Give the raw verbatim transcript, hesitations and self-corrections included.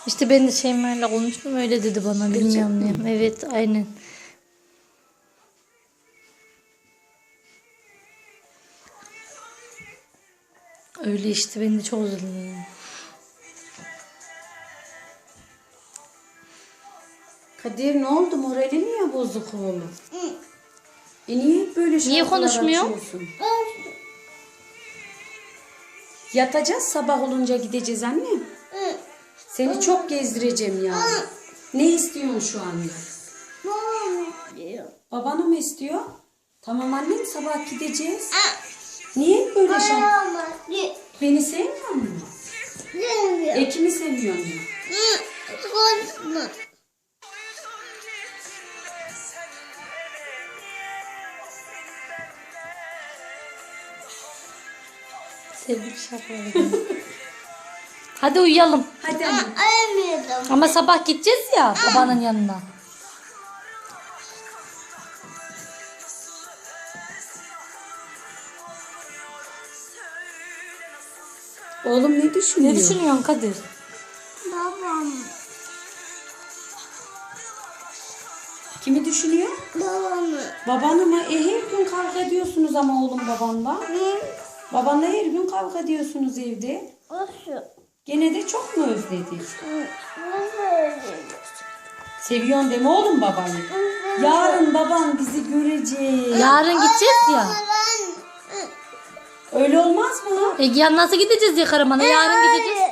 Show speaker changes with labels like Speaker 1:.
Speaker 1: İşte ben de Şeyma'yla konuştum, öyle dedi bana, bilmiyorum niye. Evet, aynen. Öyle işte, ben de çok üzüldüm.
Speaker 2: Kadir ne oldu? Morali niye bozuk oğlum? E niye hep böyle şarkılar
Speaker 1: Niye konuşmuyor?
Speaker 2: açıyorsun? Yatacağız, sabah olunca gideceğiz annem. Seni çok gezdireceğim ya. Ne istiyorsun şu anda? Babanı mı istiyor? Tamam annem, sabah gideceğiz. Niye hep böyle şarkı? Beni sevmiyor musun? Ekimi seviyor mu?
Speaker 1: Sevdik şarkıları. Hadi uyuyalım.
Speaker 2: Hadi annem.
Speaker 1: Ama sabah gideceğiz ya babanın yanına.
Speaker 2: Oğlum ne düşünüyor?
Speaker 1: Ne düşünüyorsun Kadir?
Speaker 3: Babam.
Speaker 2: Kimi düşünüyor?
Speaker 3: Babamı.
Speaker 2: Babanı mı? E her gün kavga ediyorsunuz ama oğlum babanla.
Speaker 3: Hı?
Speaker 2: Babanla her gün kavga ediyorsunuz evde.
Speaker 3: Nasıl?
Speaker 2: Gene de çok mu özledin?
Speaker 3: Nasıl öyle?
Speaker 2: Seviyorsun deme oğlum babayı. Yarın baban bizi görecek.
Speaker 1: Yarın gideceğiz ya.
Speaker 2: Öyle olmaz mı?
Speaker 1: E ya nasıl gideceğiz ya Karaman'a? Yarın gideceğiz.